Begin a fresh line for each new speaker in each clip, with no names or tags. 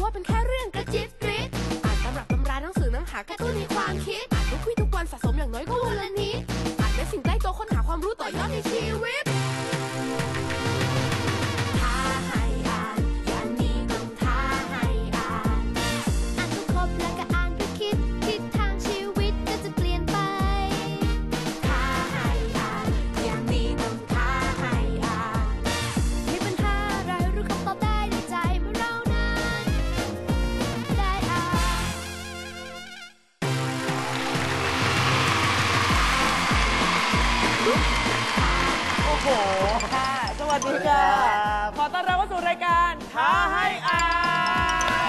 ว่าเป็นแค่เรื่องกระจิบกริดอ่านตำรับตำราหนังสือหนังหากระตุ้นในความคิดอ่านทุกวี่ทุกวันสะสมอย่างน้อยก็วันละนิดอ่านเป็นสิ่งใกล้ตัวค้นหาความรู้ต่อยอดในชีวิตท้าให้อ่านอย่างนี้ต้องท้าให้อ่านอ่านครบแล้วก็อ่านไปคิดทิศทางชีวิตก็จะเปลี่ยนไปท้าให้อ่านอย่างนี้ต้องท้าให้อ่านมีปัญหาอะไรรู้คำตอบได้ในใจเมื่อเรานั้นได้อ่าน
โอ้โหค่ะสวัสดีค่ะขอต้อนรับเข้าสู่รายการท้าให้อ่าน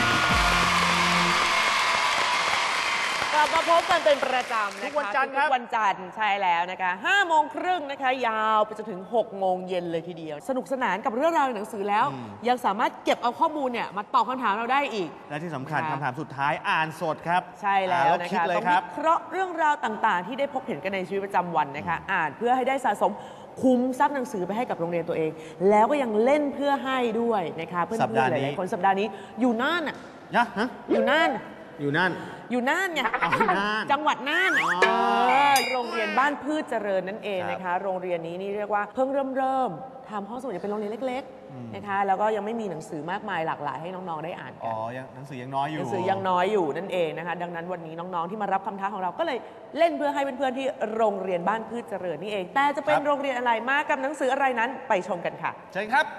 กลับมาพบกันเป็นประจำนะคะทุกวันจันทร์ครับทุกวันจันทร์ใช่แล้วนะคะ5 โมงครึ่งนะคะยาวไปจนถึง6 โมงเย็นเลยทีเดียวสนุกสนานกับเรื่องราวในหนังสือแล้วยังสามารถเก็บเอาข้อมูลเนี่ยมาตอบคำถามเราได้อีก
และที่สำคัญคำถามสุดท้ายอ่านสดครับ
ใช่แล้วนะคะต้องวิเคราะห์เรื่องราวต่างๆที่ได้พบเห็นกันในชีวิตประจำวันนะคะอ่านเพื่อให้ได้สะสมคุ้มทรัพย์หนังสือไปให้กับโรงเรียนตัวเองแล้วก็ยังเล่นเพื่อให้ด้วยนะคะเพื่อนๆหลายๆคนสัปดาห์นี้อยู่น่านอ่ะอยู่น่านไงจังหวัดน่านโรงเรียนบ้านพืชเจริญนั่นเองนะคะโรงเรียนนี้นี่เรียกว่าเพิ่งเริ่มทำห้องสมุดเป็นโรงเรียนเล็กๆนะคะแล้วก็ยังไม่มีหนังสือมากมายหลากหลายให้น้องๆได้อ่านกัน
หนังสือยังน้อย
อยู่นั่นเองนะคะดังนั้นวันนี้น้องๆที่มารับคำท้าของเราก็เลยเล่นเพื่อให้เพื่อนๆที่โรงเรียนบ้านพืชเจริญนี่เองแต่จะเป็นโรงเรียนอะไรมากับหนังสืออะไรนั้นไปชมกันค่ะ
เชิญครับ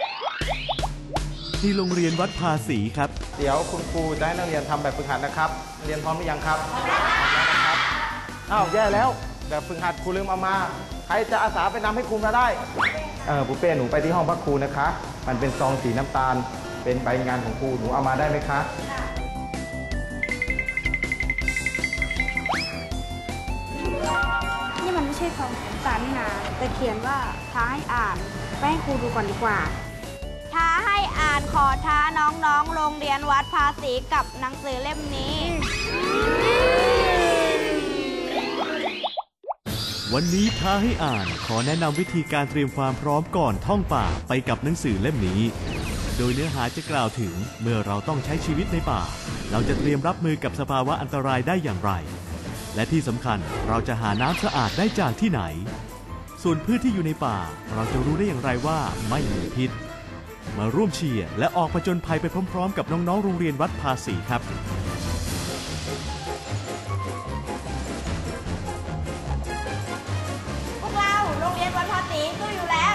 ที่โรงเรียนวัดภาษีครับ
เดี๋ยวคุณครูจะให้นักเรียนทำแบบฝึกหัดนะครับเรียนพร้อมหรือยังครับพร้อมแล้วนะครับอ้าวแย่แล้วแบบฝึกหัดครูลืมเอามาใครจะอาสาไปนำให้ครูมาได้ปูเป้หนูไปที่ห้องพักครูนะคะมันเป็นซองสีน้ำตาลเป็นใบงานของครูหนูเอามาได้ไหมคะ
นี่มันไม่ใช่ซองสีน้ำตาลนี่นาแต่เขียนว่าท้าให้อ่านไปให้ครูดูก่อนดีกว่า
ท้าให้อ่านขอท้าน้องๆโรงเรียนวัดภาษีกับหนังสือเล่มนี้
วันนี้ท้าให้อ่านขอแนะนำวิธีการเตรียมความพร้อมก่อนท่องป่าไปกับหนังสือเล่มนี้โดยเนื้อหาจะกล่าวถึงเมื่อเราต้องใช้ชีวิตในป่าเราจะเตรียมรับมือกับสภาวะอันตรายได้อย่างไรและที่สำคัญเราจะหาน้ำสะอาดได้จากที่ไหนส่วนพืชที่อยู่ในป่าเราจะรู้ได้อย่างไรว่าไม่มีพิษมาร่วมเชียร์และออกผจญภัยไปพร้อมๆกับน้องๆโรงเรียนวัดภาษีครับ
พวกเราโรงเรียนวัดภาษีสู้อยู่แล้ว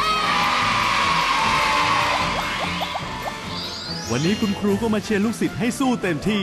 วันนี้คุณครูก็มาเชียร์ลูกศิษย์ให้สู้เต็มที่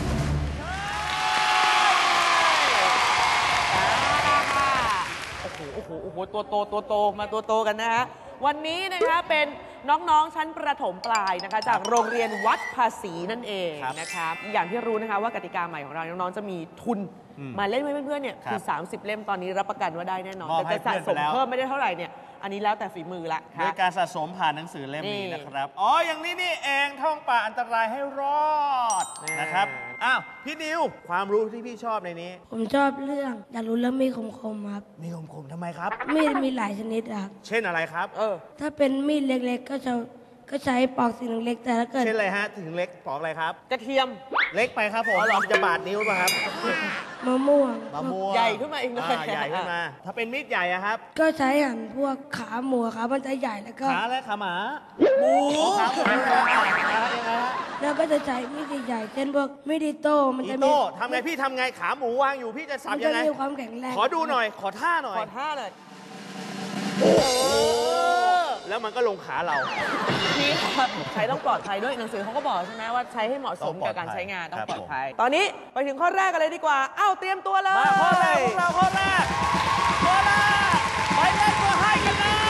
โอ้โหตัวโตมาตัวโตกันนะฮะวันนี้นะคะเป็นน้องๆชั้นประถมปลายนะคะจากโรงเรียนวัดภาษีนั่นเองนะคะอย่างที่รู้นะคะว่ากติกาใหม่ของเราน้องๆจะมีทุนมาเล่นให้เพื่อนๆเนี่ยคือ30 เล่มตอนนี้รับประกันว่าได้แน่นอนแต่จะสะสมเพิ่มไม่ได้เท่าไหร่เนี่ยอันนี้แล้วแต่ฝีมือละ
โดยการสะสมผ่านหนังสือเล่มนี้นะครับอย่างนี้นี่เองท่องป่าอันตรายให้รอดนะครับอ้าวพี่นิวความรู้ที่พี่ชอบในนี้
ผมชอบเรื่องอยากรู้เรื่องมีดคมๆครับ
มีคมทำไมครับ
มีดมีหลายชนิดครับ
เช่นอะไรครับ
ถ้าเป็นมีดเล็กๆก็ใช้ปอกสิ่งเล็กแต่ถ้าเกิด
เช่นอะไรฮะถึงเล็กปอกอะไรครับ
กระเทียม
เล็กไปครับผมจะบาดนิ้วป่ะครับ
มะม่วง
ใหญ่ขึ้นมาอีกหน่อย
ใหญ่ขึ้นมาถ้าเป็นมีดใหญ่อะครับ
ก็ใช้หั่นพวกขาหมูครับมันจะใหญ่แล้วก็
ขาและขาหมาหมูขาหมู
แล้วก็จะใช้มีดใหญ่เช่นพวกมีดอิโต้มันจะ
มีทำไงพี่ทำไงขาหมูวางอยู่พี่จะสับยังไง
มีความแข็งแรง
ขอดูหน่อยขอท่าหน่อยแล้วมันก็ลงขาเรา
พี่ใช้ต้องปลอดภัยด้วยหนังสือเขาก็บอกใช่ไหมว่าใช้ให้เหมาะสมกับการใช้งานต้องปลอดภัยตอนนี้ไปถึงข้อแรกกันเลยดีกว่าเตรียมตัวเลย
มาข้อแรกพวกเราข้อแรกไปเล่นตัวให้กันนะ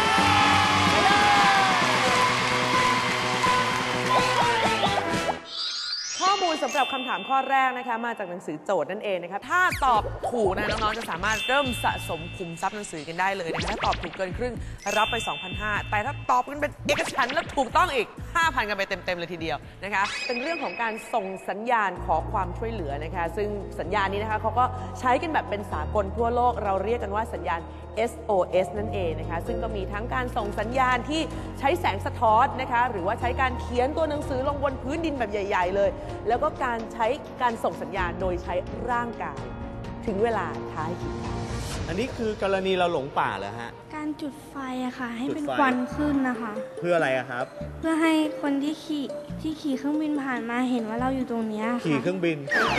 ข้อมูลสำหรับคำถามข้อแรกนะคะมาจากหนังสือโจทย์นั่นเองนะคะถ้าตอบถูกนะน้องๆจะสามารถเริ่มสะสมคุมทรัพย์หนังสือกันได้เลยนะคะถ้าตอบถูกเกินครึ่งรับไป 2,500 แต่ถ้าตอบกันเป็นเอกฉันท์และถูกต้องอีก 5,000 กันไปเต็มๆเลยทีเดียวนะคะเป็นเรื่องของการส่งสัญญาณขอความช่วยเหลือนะคะซึ่งสัญญาณนี้นะคะเขาก็ใช้กันแบบเป็นสากลทั่วโลกเราเรียกกันว่าสัญญาณ SOS นั่นเองนะคะซึ่งก็มีทั้งการส่งสัญญาณที่ใช้แสงสะท้อนนะคะหรือว่าใช้การเขียนตัวหนังสือลงบนพื้นดินแบบใหญ่ๆเลยแล้วก็การใช้การส่งสัญญาณโดยใช้ร่างกายถึงเวลาท้ายคิด
อันนี้คือกรณีเราหลงป่าเหรอฮะ
การจุดไฟอะค่ะ ให้เป็น
จุดไฟ
ควันขึ้นนะคะ
เพื่ออะไรอะครับ
เพื่อให้คนที่ขี่เครื่องบินผ่านมาเห็นว่าเราอยู่ตรงเนี้ยค่ะ
ขี่เครื่องบิน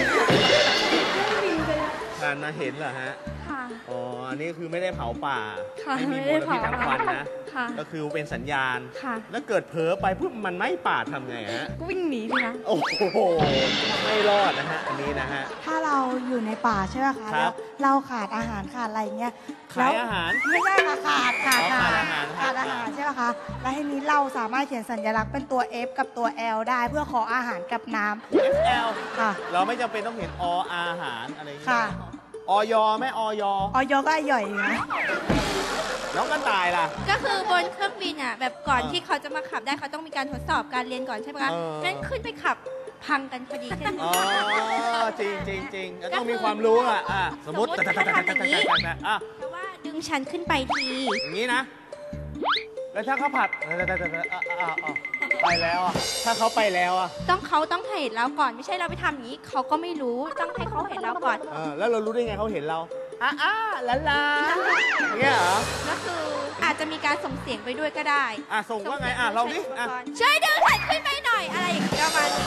ผ่านมาเห็นเหรอฮะ
ค่ะ
อ๋ออันนี้คือไม่ได้เผาป่า
ค่ะ
ไม่มี
ไม่
ม
ได้
ลพิษทางควันนะ
ค่ะ
ก็คือเป็นสัญญาณ
ค่ะ
แล้วเกิดเผลอไปปุ๊บมันไหม้ป่าทำไงฮะ
ก็วิ่งหนีสิคะ
โอ้โหไม่รอดนะฮะอันนี้นะฮะ
ถ้าเราอยู่ในป่าใช่ไหมคะ
ครับ
แล้วเราขาดอาหารขาดอะไรอย่างเงี้ย
ขายอาหาร
ไม่ใช่ค่ะขาด
อ๋อขาดอาหาร
ขาดอาหารใช่ไหมคะแล้วทีนี้เราสามารถเขียนสัญลักษณ์เป็นตัว F กับตัว L ได้เพื่อขออาหารกับน้ำ
FL
ค่ะ
เราไม่จำเป็นต้องเห็นอาหารอะไรอย่างเงี้
ค่ะ
ยออยไหมออย
อยก็ย่อยนะ
น้องกระต่ายล่ะ
ก็คือบนเครื่องบินอ่ะแบบก่อนที่เขาจะมาขับได้เขาต้องมีการทดสอบการเรียนก่อนใช่ไหมคะ
เออ
งั้นขึ้นไปขับพังกันพอดีขึ้น
อ๋อจริงจริงจริงต้องมีความรู้อ่ะสมมติ
สมมุติถ้าทำอย่างนี้
อ่ะ
เพราะว่าดึงฉันขึ้นไปที
อย่างนี้นะ แล้วถ้าเขาผัดไปแล้วอ่ะถ้าเขาไปแล้วอ่ะ
เขาต้องเห็นเราก่อนไม่ใช่เราไปทำอย่างนี้เขาก็ไม่รู้ต้องให้เขาเห็นเราก่อน
แล้วเรารู้ได้ไงเขาเห็นเราลาอย่างเงี้ยเหรอ
ก็คืออาจจะมีการส่งเสียงไปด้วยก็ได้
ส่งว่าไงลองดิ
ช่วยดึงฉันขึ้นไปหน่อยอะไรอย่างเงี้ยประมาณนี้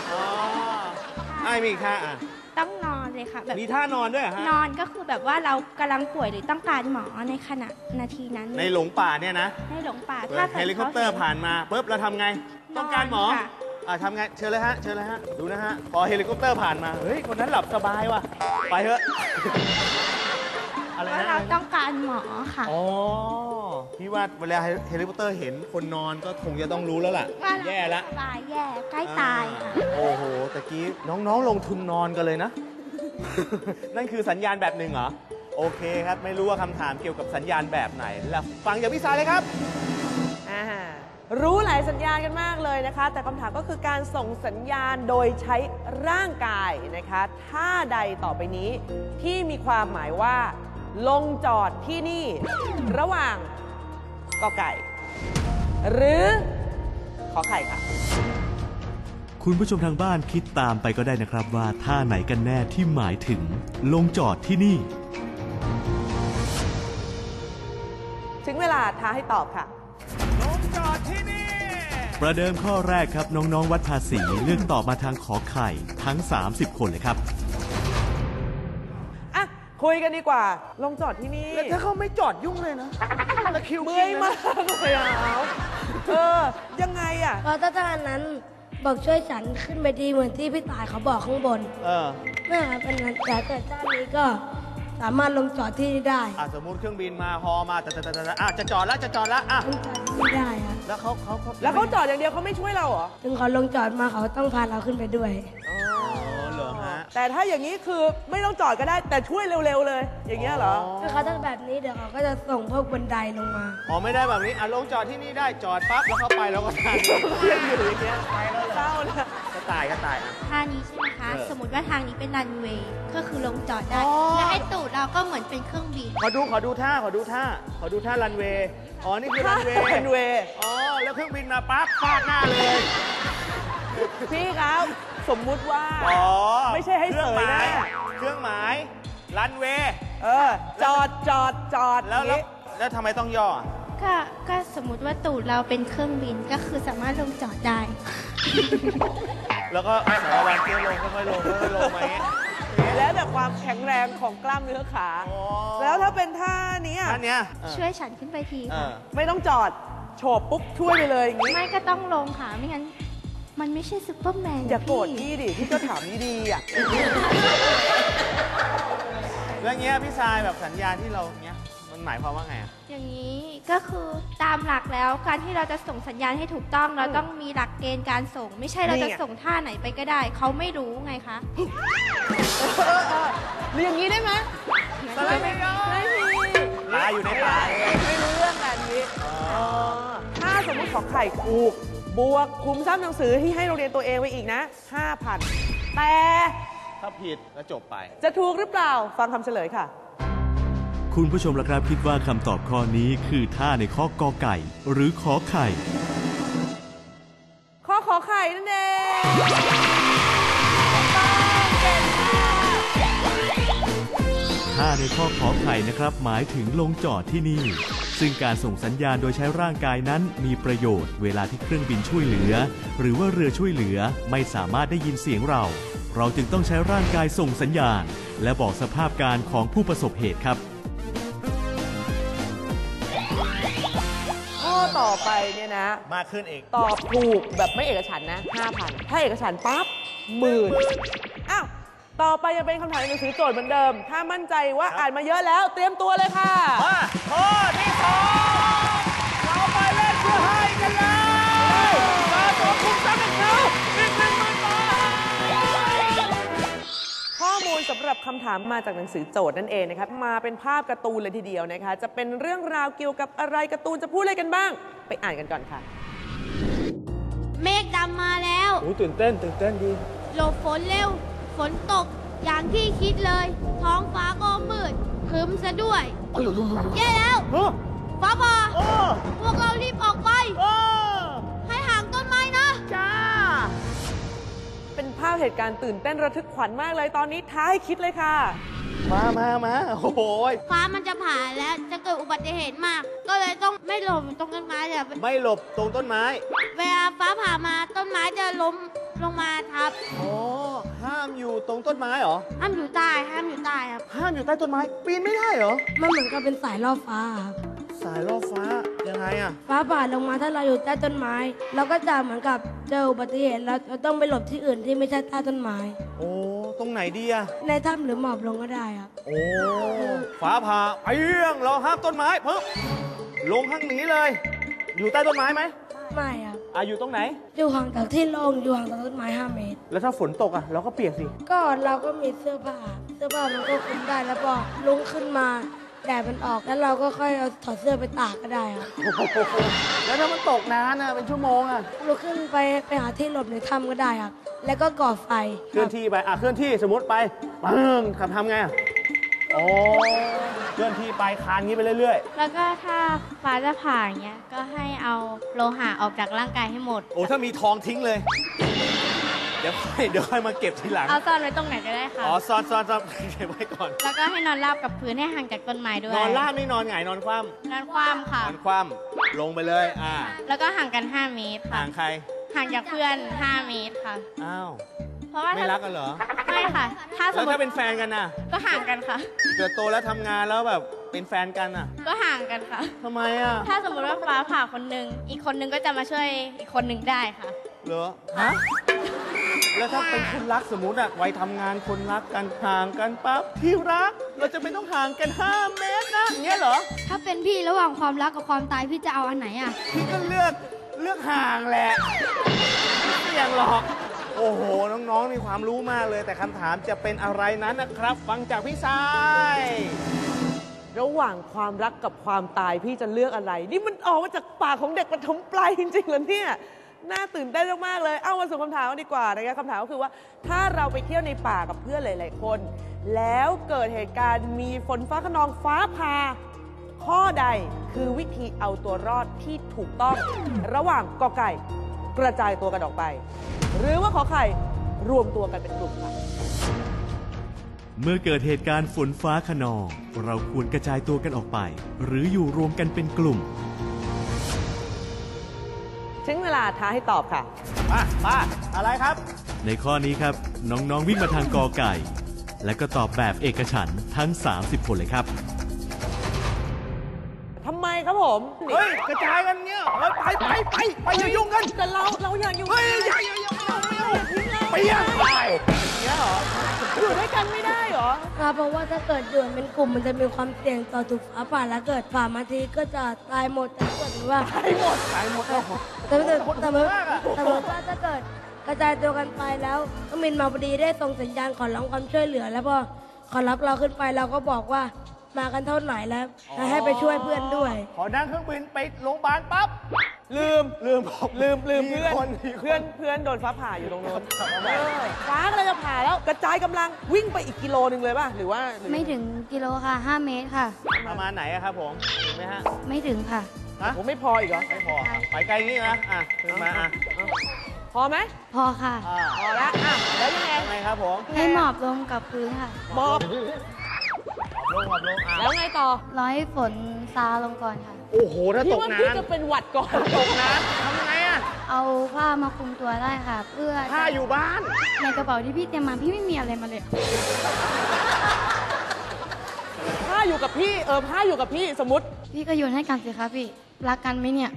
มีอีกท่า
ต้องนอนเลยค่ะแบบ
มีท่านอนด้วยเหรอฮะ
นอนก็คือแบบว่าเรากำลังป่วยหรือต้องการหมอในขณะนาทีนั้น
ในหลงป่าเนี่ยนะ
ในหลงป่า
เฮลิคอปเตอร์ผ่านมาปุ๊บเราทำไง ต้องการหมอ
ค่ะ
ทำไงเชิญเลยฮะดูนะฮะพอเฮลิคอปเตอร์ผ่านมาเฮ้ยคนนั้นหลับสบายว่ะไปเถอะอะไร
ว่า
นะ
เราต้องการหมอค่ะ
อ๋อพี่ว่าเวลาเฮลิคอปเตอร์เห็นคนนอนก็คงจะต้องรู้แล้วล่ะ
ว่าเรา
แย่ละ
สบายแย่ใกล้ตายค่ะ
โอ้โหตะกี้น้องๆลงทุนนอนกันเลยนะ นั่นคือสัญญาณแบบหนึ่งเหรอโอเคครับไม่รู้ว่าคำถามเกี่ยวกับสัญญาณแบบไหนแล้วฟังจากพี่สายเลยครับ
รู้หลายสัญญาณกันมากเลยนะคะแต่คำถามก็คือการส่งสัญญาณโดยใช้ร่างกายนะคะท่าใดต่อไปนี้ที่มีความหมายว่าลงจอดที่นี่ระหว่างกอไก่ หรือขอไข่ค่ะ
คุณผู้ชมทางบ้านคิดตามไปก็ได้นะครับว่าท่าไหนกันแน่ที่หมายถึงลงจอดที่นี่
ถึงเวลาท้าให้ตอบค่ะ
ลงจอดที่นี่
ประเดิมข้อแรกครับน้องๆวัดภาษีเลือกตอบมาทางขอไข่ทั้ง 30 คนเลยครับ
อ่ะคุยกันดีกว่าลงจอดที่นี่
แล้วถ้าเขาไม่จอดยุ่งเลยนะตะคิว
เมื่อยมากเลยอ่ะยังไงอ่ะ
เพราะถ้าท่านนั้นบอกช่วยฉันขึ้นไปดีเหมือนที่พี่ตายเขาบอกข้างบนนั่นเป็นนั้นแต่เกิดท่านนี้ก็สามารถลงจอดที่นี่ได้
สมมุติเครื่องบินมาฮอมาจะจอดแล้วอ่ะ
ลงจอดที่นี่ได้ครับ
แล้วเขา
แล้วเขาจอดอย่างเดียวเขาไม่ช่วยเราเหรอ
ถึงเขาลงจอดมาเขาต้องพาเราขึ้นไปด้วย
เหรอฮะ
แต่ถ้าอย่างนี้คือไม่ต้องจอดก็ได้แต่ช่วยเร็วๆเลย อย่างเงี้ยเหรอ
ถ้าเขาทำแบบนี้เดี๋ยวเขาก็จะส่งพวกบันไดลงมา
ไม่ได้แบบนี้ลงจอดที่นี่ได้จอดปั๊บแล้วเข้าไปแล้วก็ทาง
เรียนอยู่อย่างเงี้ยไปแล้วเศร้านะ
ก็ตายอ่ะ
ท่านี้ใช่ไหมคะ สมมติว่าทางนี้เป็นรันเวย์ก็คือลงจอดได้
อ๋อ
และให้ตูดเราก็เหมือนเป็นเครื่องบิน
ขอดูท่ารันเวย์นี่คือรันเวย์
รันเวย์
แล้วเครื่องบินมาปั๊บฟาดหน้าเลย
พี่ครับสมมุติว่าไม่ใช่ให้เสยหน้า
เครื่องหมายรันเวย์
จอด
แล้วทำไมต้องย่อ
ก็สมมุติว่าตูดเราเป็นเครื่องบินก็คือสามารถลงจอดได้
แล้วก็สารวัตรเตี้ยลงค่อยๆลงไหม
แล้วแต่ความแข็งแรงของกล้ามเนื้อขา แล้วถ้าเป็นท่านี้
ท่าเนี้ย
ช่วยฉันขึ้นไปทีค่ะ
ไม่ต้องจอดโฉบปุ๊บช่วยไปเลยอย่างนี้
ไม่ก็ต้องลงค่ะไม่งั้นมันไม่ใช่ซุปเปอร์แมน
อย่าโกรธพี่ดิพี่ก็ถามดีๆอ่ะ
แล้วเงี้ยพี่ทรายแบบสัญญาณที่เราเงี้ยมันหมายความว่าไง
อย่างนี้ก็คือตามหลักแล้วการที่เราจะส่งสัญญาณให้ถูกต้องเราต้องมีหลักเกณฑ์การส่ง ไม่ใช่เราจะส่งท่าไหนไปก็ได้เขาไม่รู้ไงคะ
หรืออย่างนี้ได้ไหมไม่มี
ปลาอยู่ในป่า
ไม่รู้เรื่องแบบนี้ถ้าสมมติขอไข่ถูกบวกคุมทรัพย์หนังสือที่ให้โรงเรียนตัวเองไว้อีกนะ 5,000 แต่
ถ้าผิดก็จบไป
จะถูกหรือเปล่าฟังคำเฉลยค่ะ
คุณผู้ชมล่ะครับคิดว่าคำตอบข้อนี้คือท่าในข้อกอไก่ หรือขอไข่
ข้อขอไข่นั่นเองต้องเก่งมาก
ท่าในข้อขอไข่นะครับหมายถึงลงจอดที่นี่ ซึ่งการส่งสัญญาณโดยใช้ร่างกายนั้นมีประโยชน์เวลาที่เครื่องบินช่วยเหลือ หรือว่าเรือช่วยเหลือไม่สามารถได้ยินเสียงเราจึงต้องใช้ร่างกายส่งสัญญาณ และบอกสภาพการของผู้ประสบเหตุครับ
ข้อต่อไปเนี่ยนะ
มากขึ้นอีก
ตอบถูกแบบไม่เอกฉันท์นะ 5,000 ถ้าเอกฉันท์ปั๊บ10,000อ้าวต่อไปยังเป็นคำถามในหนังสือโจทย์เหมือนเดิม ถ้ามั่นใจว่าอ่านมาเยอะแล้วเตรียมตัวเลยค่ะ
มาข้อที่2เราไปเล่นเพื่อให้กันเลยมาตัวคุมทรัพย์หนังสืออีก10,000 บาท
ข้อมูลสำหรับคำถามมาจากหนังสือโจทย์นั่นเองนะครับมาเป็นภาพการ์ตูนเลยทีเดียวนะคะจะเป็นเรื่องราวเกี่ยวกับอะไรการ์ตูนจะพูดอะไรกันบ้าง ไปอ่านกันก่อนค่ะ
เมฆดำมาแล้ว
ตื่นเต้นดี
หลบฝนเร็ว ฝนตกอย่างที่คิดเลย ท้องฟ้าก็มืดครึ้มซะด้วยแย่แล้วฟ้าผ่าพวกเรารีบออกไป ให้ห่างต้นไม้นะ
จ้า เป็นภาพเหตุการณ์ตื่นเต้นระทึกขวัญมากเลยตอนนี้ท้าให้คิดเลยค่ะ
มาโอ้โห
ฟ้ามันจะผ่าแล้วจะเกิดอุบัติเหตุมาก ก็เลยต้องไม่หลบตรงต้นไม้เลย
ไม่หลบตรงต้นไม้
เวลาฟ้าผ่ามาต้นไม้จะล้มลงมาทับ
โอ้ห้ามอยู่ตรงต้นไม้เหรอ
ห้ามอยู่ใต้ครับ
ห้ามอยู่ใต้ต้นไม้ ปีนไม่ได้เหรอ
มันเหมือนกับเป็นสายล่อฟ้าครับ
สายล่อฟ้ายังไงอะ
ฟ้าผ่าลงมาถ้าเราอยู่ใต้ต้นไม้ เราก็จะเหมือนกับเจออุบัติเหตุเราต้องไปหลบที่อื่นที่ไม่ใช่ใต้ต้นไม้
โอ้ตรงไหนดีอะ
ในถ้ำหรือหมอบลงก็ได้ครับ
โอ้ฟ้าผ่าเอี้ยงเราห้ามต้นไม้ปึ๊บลงข้างนี้เลย อยู่ใต้ต้นไม้ไหม
ไม่ครับ
อยู่ตรงไหน
อยู่ห่างจากที่โล่งอยู่ห่างจากต้นไม้ 5 เมตร
แล้วถ้าฝนตกอะเราก็เปียกสิ
ก็เราก็มีเสื้อผ้ามันก็คลุมได้แล้วพอลุกขึ้นมาแดดมันออกแล้วเราก็ค่อยเอาถอดเสื้อไปตากก็ได้ครับ
แล้วถ้ามันตกนานอะเป็นชั่วโมงอะ
ลุกขึ้นไปหาที่หลบในถ้ำก็ได้ครับ แล้วก็ก่อไฟ
เคลื่อนที่ไปเคลื่อนที่สมมติไปปึ้งขับทำไงอะโอ้เคลื่อนที่ไปคานงี้ไปเรื่อย
แล้วก็ถ้าฟ้าจะผ่าอย่างเงี้ยก็ให้เอาโลหะออกจากร่างกายให้หมด
ๆ โอ้ถ้ามีทองทิ้งเลย เดี๋ยวค่อยมาเก็บทีหลัง
เอาซ่อนไว้ตรงไหนก็ได้ค่ะ
ซ่อนเก็บไว้ก่อน
แล้วก็ให้นอนราบกับพื้นให้ห่างจากต้นไม้ด้วย
นอนราบนี่นอนหงายนอนคว่
นอนคว่ำค่ะ
ำนอนคว่ำลงไปเลย
แล้วก็ห่างกัน 5 เมตรค่ะ
ห่างใคร
ห่างจากเพื่อน 5 เมตรค่ะ
อ้าว
เพราะว่า
ไม่รักกันเหรอ
ไม่ค่ะ ถ้าส
แล้
ม
ว
ม
ถ้า
ติ
เป็นแฟนกันน่ะ
ก็ห่างกันค่ะ
เกิดโตแล้วทำงานแล้วแบบเป็นแฟนกันน่ะ
ก็ห่างกันค่ะ
ทำไมอ่ะ
ถ้าสมมติว่าฟ้าผ่าคนหนึ่งอีกคนหนึ่งก็จะมาช่วยอีกคนหนึ่งได้ค่ะ
เหรอ ฮะ แล้วถ้าเป็นคนรักสมมติอะวัยทำงานคนรักกันห่างกันปั๊บที่รัก เราจะไม่ต้องห่างกัน 5 เมตรนะอย่างเงี้ยเหรอ
ถ้าเป็นพี่ระหว่างความรักกับความตายพี่จะเอาอันไหนอ่ะ
พี่ก็เลือกห่างแหละไม่เสี่ยงหรอก โอ้โห น้องๆมีความรู้มากเลย แต่คำถามจะเป็นอะไรนั้นนะครับ ฟังจากพี่ชาย
ระหว่างความรักกับความตายพี่จะเลือกอะไร นี่มันออกมาจากปากของเด็กประถมปลายจริงๆเหรอเนี่ยน่าตื่นเต้นมากๆเลยเอามาสู่คำถามกันดีกว่านะคะคำถามก็คือว่าถ้าเราไปเที่ยวในป่ากับเพื่อนหลายๆคน แล้วเกิดเหตุการณ์มีฝนฟ้าคะนองฟ้าผ่าข้อใดคือวิธีเอาตัวรอดที่ถูกต้อง ระหว่างกอไก่กระจายตัวกันออกไป หรือว่าขอไข่รวมตัวกันเป็นกลุ่มค่ะ
เมื่อเกิดเหตุการณ์ฝนฟ้าคะนอง เราควรกระจายตัวกันออกไป หรืออยู่รวมกันเป็นกลุ่ม
ถึงเวลาท้าให้ตอบค่ะ
มาอะไรครับ
ในข้อนี้ครับน้องๆวิ่งมาทางกอไก่ และก็ตอบแบบเอกฉันท์ทั้ง 30 คนเลยครับ
ทำไมครับผม
เฮ้ย กระจายกันเงี้ยเฮ้ยไปอย่ายุ่งกัน
แต่เราอยากอยู่
เฮ้ยอย่าไปยังไปเงี้ยเหรอ
อยู่ด้วยกันไม่ได้เหรอ
เพราะว่าถ้าเกิดอยู่เป็นกลุ่มมันจะมีความเสี่ยงต่อถูกฟ้าผ่าแล้วเกิดผ่ามาทีก็จะตายหมดแต่ถ้าเกิดว่า
ตายหมด
แต่ว่าถ้าเกิดกระจายตัวกันไปแล้วก็มินมาพอดีได้ส่งสัญญาณขอร้องความช่วยเหลือ แล้วพอขอรับเราขึ้นไปเราก็บอกว่ามากันเท่าไหร่แล้วให้ไปช่วยเพื่อนด้วย
ขอนั่งเครื่องบินไปโรงพยาบาลปั๊บ
ลืม
ลืม
เพื่อน
มีคน
เพื่อนโดนฟ้าผ่าอยู่ตรงโน้นฟ้าก็เลยจะผ่าแล้วกระจายกำลังวิ่งไปอีกกิโลนึงเลยป่ะหรือว่า
ไม่ถึงกิโลค่ะ 5 เมตรค่ะ
ประมาณไหนอะครับผมถึงไหมฮะ
ไม่ถึงค่ะ
ฮะ
ผมไม่พออีกเหรอ
ไม่พอไปไกลนี่นะขึ้นมา
พอไหม
พอค่ะ
พอแล้วแล้วยังไง
ทำไงครับผม
ให้หมอบลงกับพื้นค่ะ
หมอบ
ลง
แล้วไงต่อ
ร้อยฝนซาลงก่อนค่ะ
โอ้โหถ้าต
พี่
ก
ว่า
น้
พี่จะเป็นหวัดก่อน
ำตกน้ำทำไงอะ
เอาผ้ามาคลุมตัวได้ค่ะ เพื่อ
ถ้าอยู่บ้าน
ในกระเป๋าที่พี่เตรียมมาพี่ไม่มีอะไรมาเลย
ผ้าอยู่กับพี่ผ้าอยู่กับพี่สมมติ
พี่ก็โยนให้กันสิคะพี่ รักกันไหมเนี่ย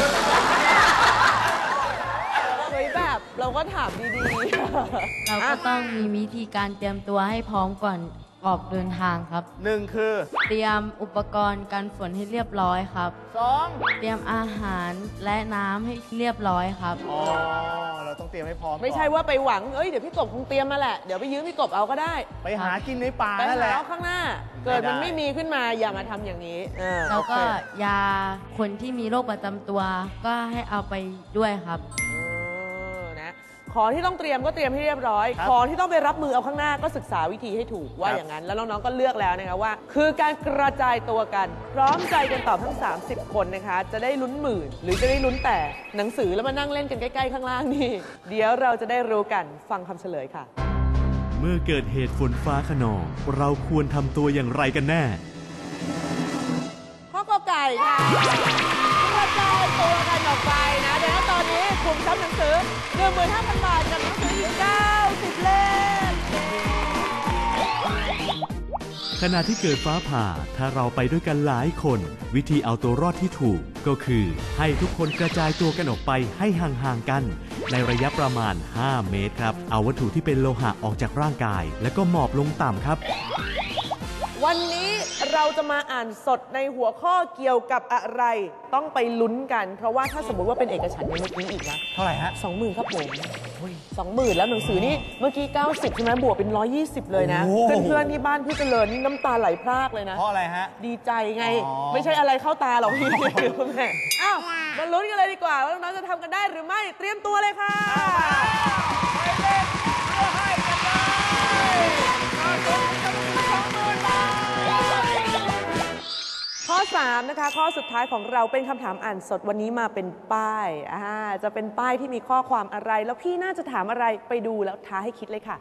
เฮ้ยแบบเราก็ถามดีๆ
เราก็ต้องมีวิธีการเตรียมตัวให้พร้อมก่อนออกเดินทางครับ
1 คือ
เตรียมอุปกรณ์กันฝนให้เรียบร้อยครับ
2
เตรียมอาหารและน้ำให้เรียบร้อยครับ
อ๋อเราต้องเตรียมให้พร้อม
ไม่ใช่ว่าไปหวังเดี๋ยวพี่กบคงเตรียมมาแหละเดี๋ยวไปยืมพี่กบเอาก็ได้
ไปหากินในป่า
ไป
นั่นแห
หา
ละ
เอาข้างหน้า เกิดมันไม่มีขึ้นมาอย่ามาทำอย่างนี้
แล้วก็
โอเค
ยาคนที่มีโรคประจำตัวก็ให้เอาไปด้วยครับ
นะของที่ต้องเตรียมก็เตรียมให้เรียบร้อย ของที่ต้องไปรับมือเอาข้างหน้าก็ศึกษาวิธีให้ถูกว่าอย่างนั้น แล้วน้องๆก็เลือกแล้วนะคะว่า คือการกระจายตัวกัน พร้อมใจกันตอบทั้ง 30 คนนะคะ จะได้ลุ้นหมื่นหรือจะได้ลุ้นแต่หนังสือแล้วมานั่งเล่นกันใกล้ๆข้างล่างนี่ เดี๋ยวเราจะได้รู้กันฟังคำเฉลยค่ะ
เมื่อเกิดเหตุฝนฟ้าคะนอง เราควรทำตัวอย่างไรกันแน่
ข้อกอไก่ค่ะกระจายตัวกันออกไปนะดังนั้นตอนนี้กลุ่มทรัพย์หนังสือ 15,000 บาทกับหนังสืออีก90 เล่ม
ขณะที่เกิดฟ้าผ่า ถ้าเราไปด้วยกันหลายคน วิธีเอาตัวรอดที่ถูก ก็คือให้ทุกคนกระจายตัวกันออกไปให้ห่างๆกัน ในระยะประมาณ 5 เมตรครับ เอาวัตถุที่เป็นโลหะออกจากร่างกาย แล้วก็หมอบลงต่ำครับ
วันนี้เราจะมาอ่านสดในหัวข้อเกี่ยวกับอะไร ต้องไปลุ้นกัน เพราะว่าถ้าสมมติว่าเป็นเอกฉันท์ยังเมื่อกี้อีกนะ
เท่าไหร่ฮะ
20,000ครับผม20,000แล้วหนังสือนี่เมื่อกี้90ใช่ไหมบวกเป็น120เลยนะ
โอ้โห
เพื่อนๆที่บ้านพี่เจริญนี่น้ำตาไหลพรากเลยนะ
เพราะอะไรฮะ
ดีใจไง
อ๋อ
ไม่ใช่อะไรเข้าตาหรอกพี่ แม่อ้าวมาลุ้นกันเลยดีกว่าว่าน้องๆจะทำกันได้หรือไม่เตรียมตัวเลยค่ะ
ไปเล่นเพื่อให้กันเลย20,000 บาท
ข้อ 3 นะคะ ข้อสุดท้ายของเราเป็นคำถามอ่านสดวันนี้มาเป็นป้ายจะเป็นป้ายที่มีข้อความอะไร แล้วพี่น่าจะถามอะไรไปดูแล้วท้าให้คิดเลยค่ะ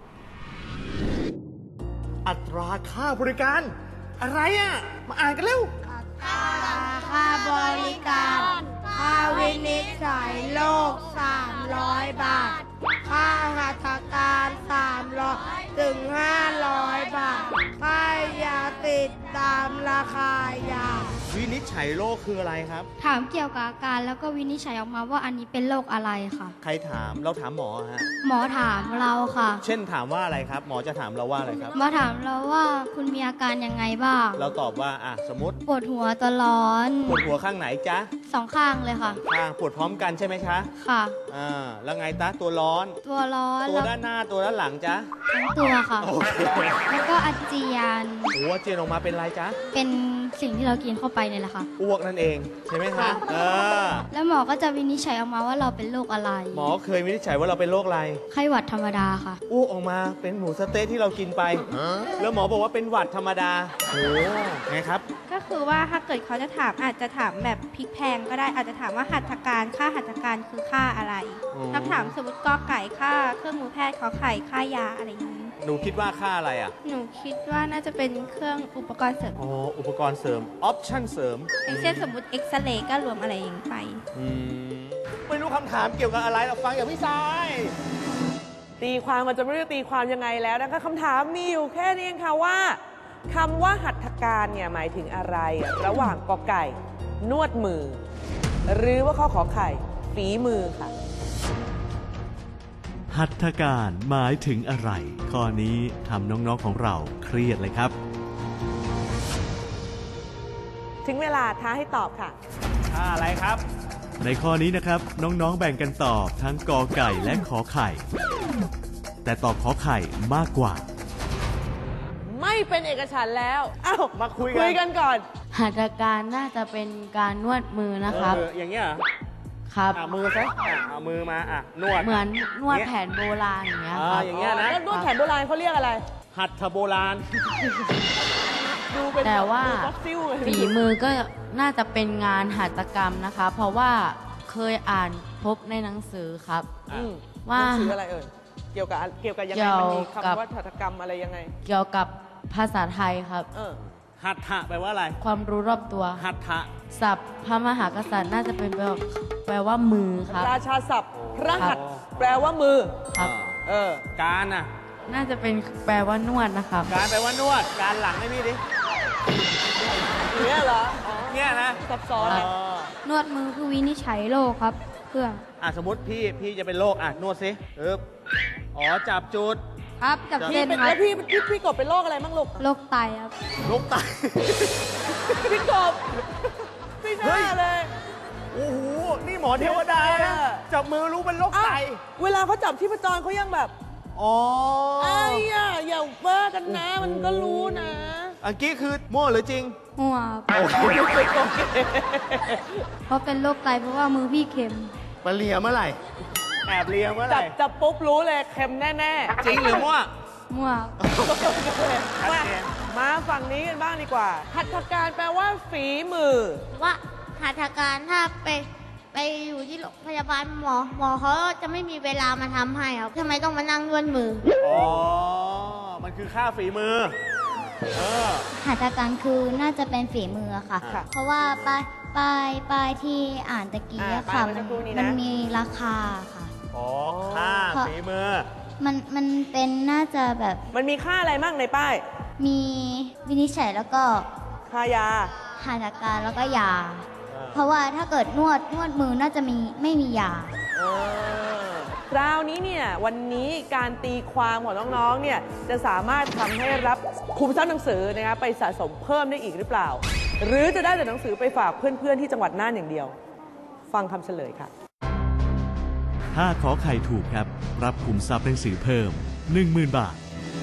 อัตราค่าบริการ อะไรอ่ะ มาอ่านกันเร็ว
ค่าบริการ ค่าวินิจฉัยโรค300 บาท ค่าหัตถการ300 ถึง 500 บาท ค่ายาติดตามราคายา
วินิจฉัยโรคคืออะไรครับ
ถามเกี่ยวกับอาการแล้วก็วินิจฉัยออกมาว่าอันนี้เป็นโรคอะไรค่ะ
ใครถาม เราถามหมอฮะ
หมอถามเราค่ะ
เช่นถามว่าอะไรครับ หมอจะถามเราว่าอะไรครับ
หมอถามเราว่าคุณมีอาการยังไงบ้าง
เราตอบว่าสมมติ
ปวดหัวตัวร้อน
ปวดหัวข้างไหนจ๊ะ
2 ข้างเลยค่ะ
ปวดพร้อมกันใช่ไหมคะ
ค่ะ
แล้วไงตะตัวร้อน
ตัวร้อน
ตัว
แล้ว
ด้านหน้าตัวด้านหลังจ๊ะ
ทั้งตัวค่ะ
โอเค
แล้วก็อาเจียน
หัวเจียนออกมาเป็นอะไรจ๊ะ
เป็นสิ่งที่เรากินเข้าไปเนี่ยแหละค่ะ
อ้วกนั่นเองใช่ไหมคะ
แล้วหมอก็จะวินิจฉัยออกมาว่าเราเป็นโรคอะไร
หมอเคยวินิจฉัยว่าเราเป็นโรคอะไร
ไข้หวัดธรรมดาค่ะ
อ้วกออกมาเป็นหมูสะเต๊ะที่เรากินไป แล้วหมอบอกว่าเป็นหวัดธรรมดาโอ้ไงครับ
ก็คือว่าถ้าเกิดเขาจะถามอาจจะถามแบบพลิกแพลงก็ได้อาจจะถามว่าหัตถการค่าหัตถการคือค่าอะไร ถ้าถามสมมติกอไก่ค่าเครื่องมือแพทย์ขอไข่ค่ายาอะไรอย่างนี้
หนูคิดว่าค่าอะไรอ่ะ
หนูคิดว่าน่าจะเป็นเครื่องอุปกรณ์เสริม
อ๋ออุปกรณ์เสริมออปชั่นเสริม
อย่างเช่นสมมติเอ็กซเรย์ก็รวมอะไรอย่างนี้ไป
ไม่รู้คำถามเกี่ยวกับอะไรเราฟังอย่างพี่สาย
ตีความมันจะไม่รู้จะตีความยังไงแล้วนะคะคำถามมีอยู่แค่นี้เองค่ะว่าคำว่าหัตถการเนี่ยหมายถึงอะไร ระหว่างกอไก่ นวดมือ หรือว่าข้อขอไข่ฝีมือค่ะ
หัตถการหมายถึงอะไร ข้อนี้ทำน้องๆของเราเครียดเลยครับ
ถึงเวลาท้าให้ตอบค่ะ
อะไรครับ
ในข้อนี้นะครับน้องๆแบ่งกันตอบทั้งกอไก่และขอไข่ แต่ตอบขอไข่มากกว่า
ไม่เป็นเอกฉันท์แล้วอ้าว
มาคุย
กันก่อน
หัตถการน่าจะเป็นการนวดมือนะครับ
อย่างเงี้ยเหรอ
ครับ
มือซะเอามือมานวด
เหมือนนวดแผนโบราณอย่างเงี้ยครับ
อย่างเงี้ยนะ
แล้วนวดแผนโบราณเขาเรียกอะไร
หัตถโบราณ
ดูเป็น
แต่ว่า
ฟอสซิลเลย
ฝีมือก็น่าจะเป็นงานหัตถกรรมนะคะ เพราะว่าเคยอ่านพบในหนังสือครับ ว่า
หนังสืออะไรเอ่ยเกี่ยวกับยังไงมันมีคำว่าหัตถกรรมอะไรยังไง
เกี่ยวกับภาษาไทยครับ
หัตถะแปลว่าอะไร
ความรู้รอบตัว
หัตถะ
ศัพท์พระมหากษัตริย์น่าจะเป็นแปลว่ามือครับ
ราชาศัพท์พระหัตถ์แปลว่ามือ
ครับ
การน่ะ
น่าจะเป็นแปลว่านวดนะครับ
การแปลว่านวด การหลังให้พี่ดิ
เนี่ยเหรอ
เนี่ยนะ
ซับซ้อน
นวดมือคือวินิจฉัยโรคครับ เพื่อ
สมมติพี่จะเป็นโรค นวดสิจับจุด
ครับกับ
พี่
เส้น
เป็น
ครั
แล้
บ
วพี่กบเป็นโรคอะไรบ้างลูก
โรคไตครับ
โรคไต
พี่กบไม่น่าเลย
โอ้โห นี่หมอเทวดานะจับมือรู้เป็นโรคไต
เวลาเขาจับชีพจรเขายังแบบไอ้อย่าเบ้อกันนะ มันก็รู้นะ
อันกี้คือมั่วหรือจริง
หัว เพราะเป็นโรคไตเพราะว่ามือพี่เข็ม
มาเลียเมื่อไหร่ แอบเลียเมื่อไหร่
จับปุ๊บรู้เลยเค็มแน่ๆ
จริงหรือมั่ว
มั่ว
มาฝั่งนี้กันบ้างดีกว่า หัตถการแปลว่าฝีมือ
ว่าหัตถการถ้าไปอยู่ที่โรงพยาบาลหมอเขาจะไม่มีเวลามาทำให้ครับทำไมต้องมานั่งนวดมือ
มันคือค่าฝีมือ
หัตถการคือน่าจะเป็นฝีมือค่ะ เพราะว่าป้ายที่อ่านตะกี้อะค่ะ มันมีราคาค่ะ
ค่าฝีมือ
มันเป็นน่าจะแบบ
มันมีค่าอะไรบ้างในป้าย
มีวินิจฉัยแล้วก็
ค่ายา
หัตถการแล้วก็ยา เพราะว่าถ้าเกิดนวดมือน่าจะไม่มียา
คราวนี้เนี่ยวันนี้การตีความของน้องๆเนี่ยจะสามารถทำให้รับคุมทรัพย์หนังสือนะคะไปสะสมเพิ่มได้อีกหรือเปล่า หรือจะได้แต่หนังสือไปฝากเพื่อนๆที่จังหวัดน่านอย่างเดียว ฟังคำเฉลยค่ะ
ถ้าขอไข่ถูกครับ รับคุมทรัพย์หนังสือเพิ่ม 10,000 บาท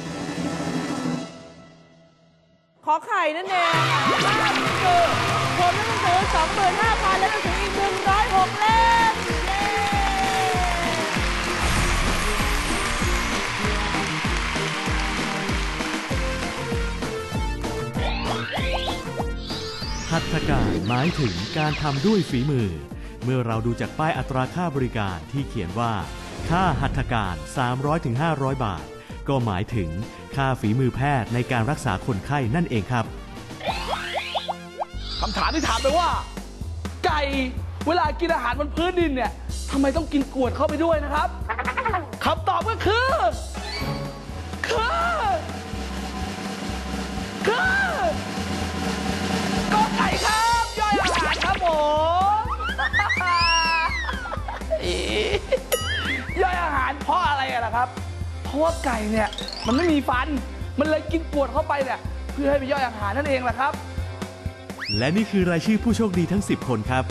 ขอไข่นั่นเองคือผมหนังสือ 25,000 และหนังสืออีก106 เล่มเย้
หัตถการหมายถึงการทำด้วยฝีมือ เมื่อเราดูจากป้ายอัตราค่าบริการที่เขียนว่า ค่าหัตถการ 300-500 บาท ก็หมายถึงค่าฝีมือแพทย์ในการรักษาคนไข้นั่นเองครับ
คำถามที่ถามไปว่า ไก่เวลากินอาหารบนพื้นดินเนี่ยทำไมต้องกินกรวดเข้าไปด้วยนะครับคำตอบก็คือก็ไก่ครับย่อยอาหารครับผมย่อยอาหารเพราะอะไรล่ะครับ เพราะว่าไก่เนี่ยมันไม่มีฟันมันเลยกินกรวดเข้าไปเนี่ยเพื่อให้ไปย่อยอาหารนั่นเองแหละครับ
และนี่คือรายชื่อผู้โชคดีทั้ง 10 คนครับ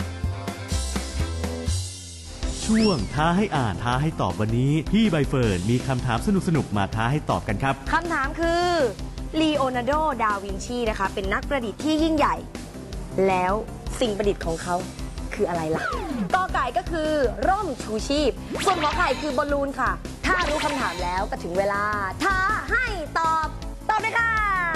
ช่วงท้าให้อ่านท้าให้ตอบวันนี้พี่ใบเฟิร์นมีคำถามสนุกๆมาท้าให้ตอบกันครับ
คำถามคือลีโอนาร์โด ดาวินชีนะคะเป็นนักประดิษฐ์ที่ยิ่งใหญ่ แล้วสิ่งประดิษฐ์ของเขาคืออะไรล่ะกอไก่ก็คือร่มชูชีพส่วนขอไข่คือบอลลูนค่ะถ้ารู้คำถามแล้วก็ถึงเวลาท้าให้ตอบเลยค่ะ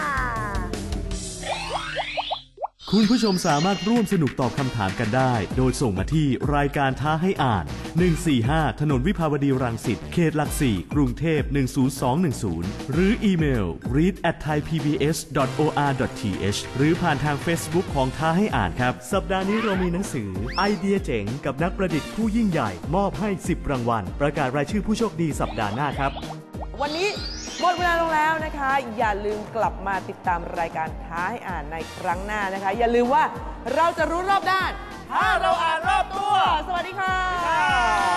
คุณผู้ชมสามารถร่วมสนุกตอบคำถามกันได้ โดยส่งมาที่รายการท้าให้อ่าน 145 ถนนวิภาวดีรังสิต เขตหลักสี่กรุงเทพ 10210 หรืออีเมล read@thaipbs.or.th หรือผ่านทาง Facebook ของท้าให้อ่านครับ สัปดาห์นี้เรามีหนังสือไอเดียเจ๋งกับนักประดิษฐ์ผู้ยิ่งใหญ่มอบให้ 10 รางวัล ประกาศรายชื่อผู้โชคดีสัปดาห์หน้าครับ
วันนี้หมดเวลาลงแล้วนะคะ อย่าลืมกลับมาติดตามรายการท้าให้อ่านในครั้งหน้านะคะ อย่าลืมว่าเราจะรู้รอบด้าน ถ้าเราอ่านรอบตัว สวัสดีค่ะ